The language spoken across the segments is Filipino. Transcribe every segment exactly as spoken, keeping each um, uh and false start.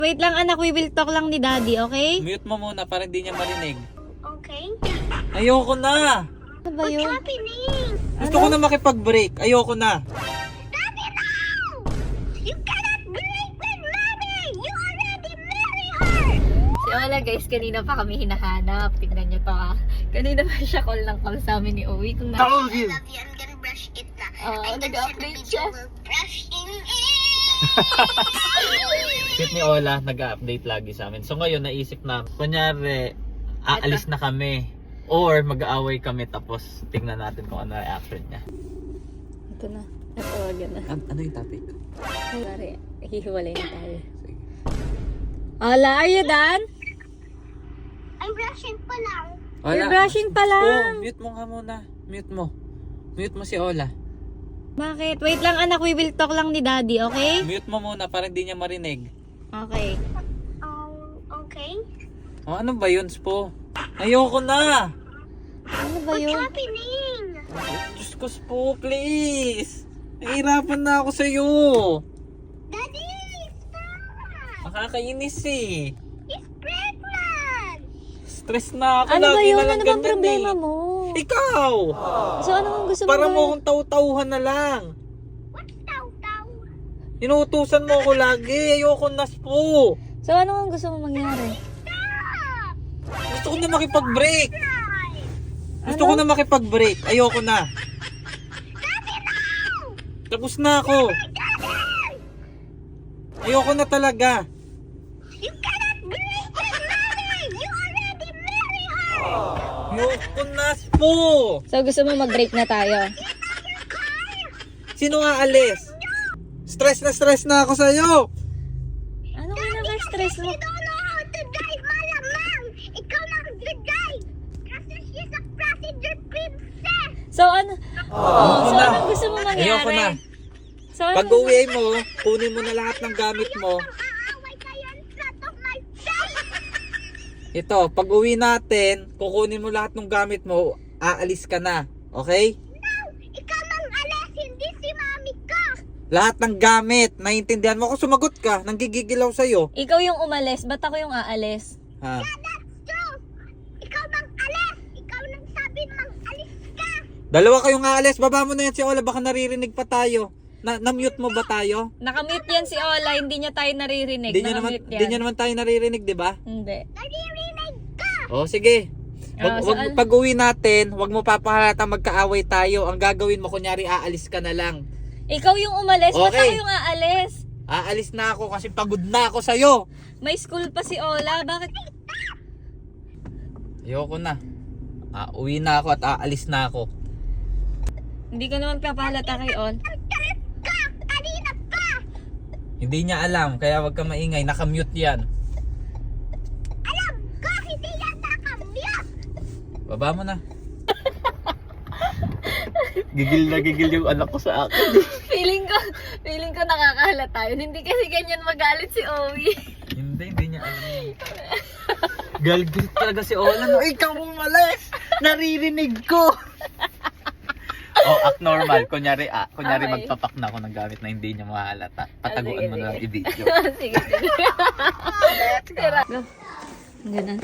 Wait lang anak, we will talk lang ni daddy, okay? Mute mo muna para hindi niya marinig. Okay? Ayoko na. Ano ba yun? Happening? Gusto ko na makipag-break. Ayoko na. Daddy, no! You cannot break with mommy! You already married her! Si Ola guys, kanina pa kami hinahanap. Tignan nyo to ah. Kanina pa siya call ng call sa amin ni Owie. Kung na... Told you. I love you. I'm gonna brush it na. Oo, I nag-update siya. Brushing it! Cute ni Ola, nag-update lagi sa amin. So ngayon, naisip na, kunyari, aalis na kami. Or mag-aaway kami tapos tingnan natin kung ano reaction niya. Ito na. Natawagan na. An ano yung topic? Sorry, hihiwalay na tayo. Sige. Ola, are you done? I'm brushing pa lang. You're brushing pa lang. Oh, mute mo nga muna. Mute mo. Mute mo si Ola. Bakit? Wait lang anak, we will talk lang ni daddy, okay? Mute mo muna para hindi niya marinig. Okay. Um, okay? Oh, ano ba yun, Spo? Ayoko na! Ano ba What's yun? happening? Diyos ko, Spo, please! Nahihirapan na ako sa'yo! Daddy, stop! Nakakainis eh! He's pregnant! Stress na ako. Ano ba lagi yun? na lang Ano bang ganyan problema eh. mo? Ikaw! So ano ang gusto mo Para mo gawin? akong taw-tauhan na lang. What's taw-taw? Inuutusan mo ako lagi. Ayoko na, Spo. So ano ang gusto mo mangyari? Stop! Gusto ko na makipag-break. Guys! Gusto Ano? ko na makipag-break. Ayoko na. Daddy, no! Tapos na ako. Ayoko na talaga. You cannot break with mommy! You already married her! Ayoko na, Spo. So gusto mo mag-break na tayo? Sino nga alis? Stress na stress na ako sa'yo. Ano ka naka-stress mo? You don't know how to drive, malamang! Ikaw lang drive! Kasi she's a passenger princess! So ano? Oh, so na. anong gusto mo mangyari? Ayoko na. So ano? Pag uwi mo, kunin mo na lahat ng gamit mo. Aaway kayo in front of my face! Ito, pag uwi natin, kukunin mo lahat ng gamit mo, aalis ka na. Okay? No! Ikaw mang alas, hindi si mami ko! Lahat ng gamit, naiintindihan mo. Kung sumagot ka, nanggigigilaw sa'yo. Ikaw yung umalis, ba't ako yung aalis? Ha? That's true! Ikaw mang alas! Ikaw nang sabi mang alis ka! Dalawa kayong aalis, baba mo na yan si Ola, baka naririnig pa tayo. Na, na-mute mo ba tayo? Nakamute yan si Ola, hindi niya tayo naririnig. Hindi nyo naman, Nakamute di nyo naman tayo naririnig, di ba? Hindi. Naririnig ka! O, sige. Ah, Wag, so wag, ano? pag uwi natin, wag mo papahalata magkaaway tayo. Ang gagawin mo, kunyari, aalis ka na lang. Ikaw yung umalis, ba't Okay. ako yung aalis? Aalis na ako kasi pagod na ako sa'yo. May school pa si Ola, bakit? Ayoko na. Ah, uwi na ako at aalis na ako. Hindi ko naman papahalata kay Ol. Ang galit ka! Kanina pa! Hindi niya alam, kaya wag ka maingay. Nakamute yan. Alam ko, hindi yan nakamute! Baba mo na. Gigil na gigil yung anak ko sa akin. Feeling ko, feeling ko nakakahalata yun. Hindi kasi ganyan magalit si Owie. Hindi, hindi niya alam yun. Galgal talaga si Ola. No, ikaw umalis! Naririnig ko! Oh, act normal. Kunyari, ah, kunyari Okay. magpapak na ako ng gamit na hindi niya mahalata. Pataguan sige, mo na lang sige. i-video. sige, sige. Tira. Go. Diyan na.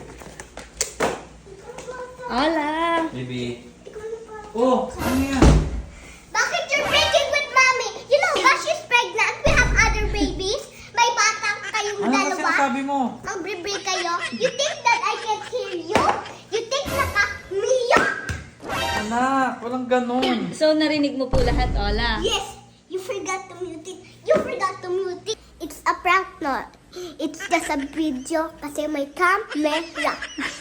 Ola! Baby. Oh, ano yan? Bakit you're breaking with mommy? You know ba she's pregnant? We have other babies. May batang kayong Ano kasi dalawa. sabi mo? Mag-break kayo. You think that I can hear you? You think naka-miyo? Anak, walang ganun. So, narinig mo po lahat, Ola? Yes, you forgot to mute it. You forgot to mute it. It's a prank not. It's just a video kasi may camera.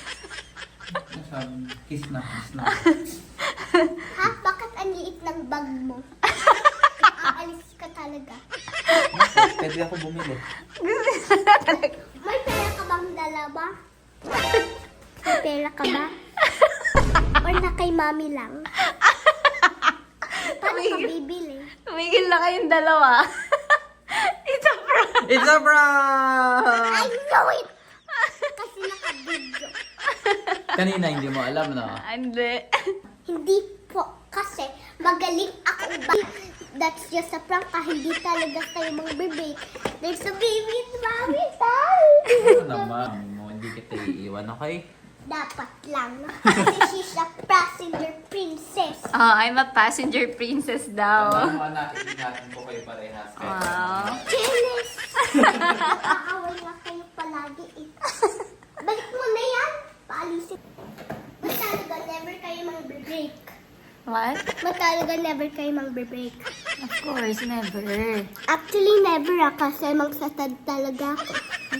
Kiss na, kiss na. Ha? Bakit ang liit ng bag mo? Aalis ka talaga. Pwede ako bumili. May pera ka bang dalawa? May pera ka ba? Or na kay mami lang? Paano ka bibili? Tumigil na kayong dalawa. It's a prank. It's a prank! I know it! Kasi naka-video. Kanina hindi mo alam, no? Hindi. Hindi po kasi magaling ako ba that's just a prank. Ah, hindi talaga kayo mag-break. There's a baby in mommy style. Ano naman mo, hindi kita iiwan, okay? Dapat lang. Kasi she's a passenger princess. Oh, I'm a passenger princess daw. Tama na, ingatan ko kayo parehas. Wow. Jealous! Nakaaway nga kayo palagi eh. Balik mo na yan. Paalisin. Matalaga never kayo mag-break. What? Matalaga never kayo mag-break. Of course, never. Actually, never ah. Kasi magsatad talaga ako.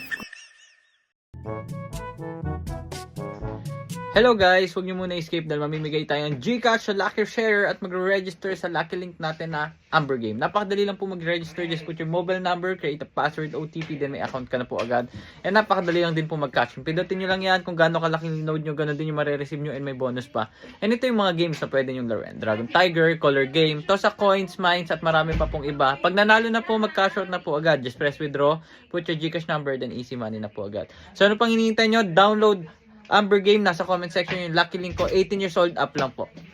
Hello guys! Huwag niyo muna escape dahil mamimigay tayo ng Gcash sa Lucky Share at magre-register sa Lucky Link natin na Amber Game. Napakadali lang po mag-register. Just put your mobile number, create a password, O T P, then may account ka na po agad. And napakadali lang din po mag-catch. Pindutin nyo lang yan kung gaano kalaking load nyo, gano'n din yung marireceive nyo and may bonus pa. And ito yung mga games na pwede nyo laruin. Dragon Tiger, Color Game, Toss a Coins, Mines, at marami pa pong iba. Pag nanalo na po, mag-cash out na po agad. Just press withdraw, put your Gcash number, then easy money na po agad. So ano pang hinihintay nyo? Download Amber Game, nasa comment section yung lucky link ko. eighteen years old up lang po.